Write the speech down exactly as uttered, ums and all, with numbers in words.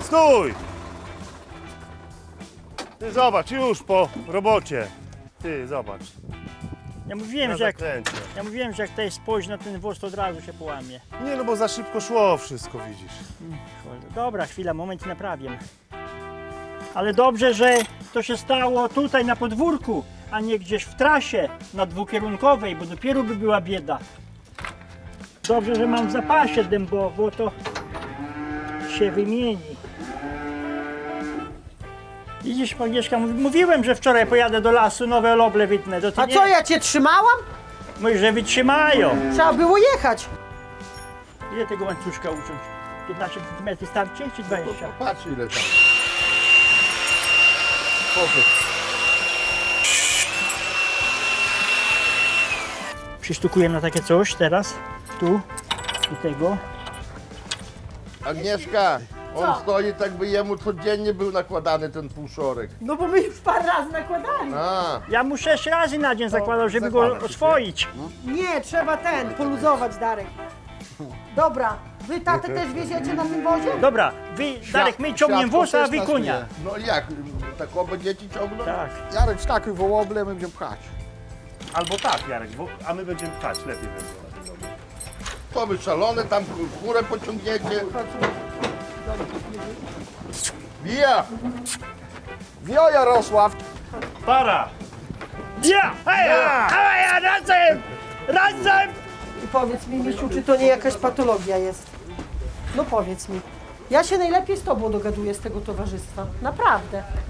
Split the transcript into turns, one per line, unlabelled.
Stój! Ty zobacz, już po robocie. Ty zobacz.
Ja mówiłem,
Na
że jak,
zakręcie.
ja mówiłem, że jak to jest spojść na ten wóz, to od razu się połamie.
Nie no, bo za szybko szło wszystko, widzisz.
Dobra, chwila, moment i naprawię. Ale dobrze, że to się stało tutaj na podwórku, a nie gdzieś w trasie na dwukierunkowej, bo dopiero by była bieda. Dobrze, że mam w zapasie dębo, bo to się wymieni. Widzisz, Agnieszka, mów- mówiłem, że wczoraj pojadę do lasu, nowe loble wytnę. To ty
A
nie...
co, ja cię trzymałam?
Mówisz, że wytrzymają.
Trzeba było jechać.
Ile tego łańcuszka uciąć? piętnaście centymetrów starczy czy dwadzieścia?
Patrz ile tam. Powiedz.
Przysztukuję na takie coś teraz, tu i tego.
Agnieszka, on
Co?
stoi tak by jemu codziennie był nakładany ten półszorek.
No bo my już parę razy nakładali.
A,
Ja mu sześć razy na dzień zakładał, żeby go
zakładam się,
oswoić.
Nie, trzeba ten, poluzować, Darek. Dobra, wy tatę też wieziecie na tym wozie?
Dobra, wy, Darek, my ciągniemy
światło
wóz, a
też
wy
nas
konia.
myje. No jak, tak oba dzieci ciągną?
Tak.
Jarek, wskakuj wołoble, my będziemy pchać.
Albo tak, Jarek, bo, a my będziemy pchać, lepiej będzie.
To wy szalone, tam kurę pociągniecie. Bija!
Wio, Jarosław!
Para!
Ja! Hej! Hej, ja razem! Razem!
I powiedz mi, Misiu, czy to nie jakaś patologia jest? No powiedz mi. Ja się najlepiej z tobą dogaduję z tego towarzystwa. Naprawdę.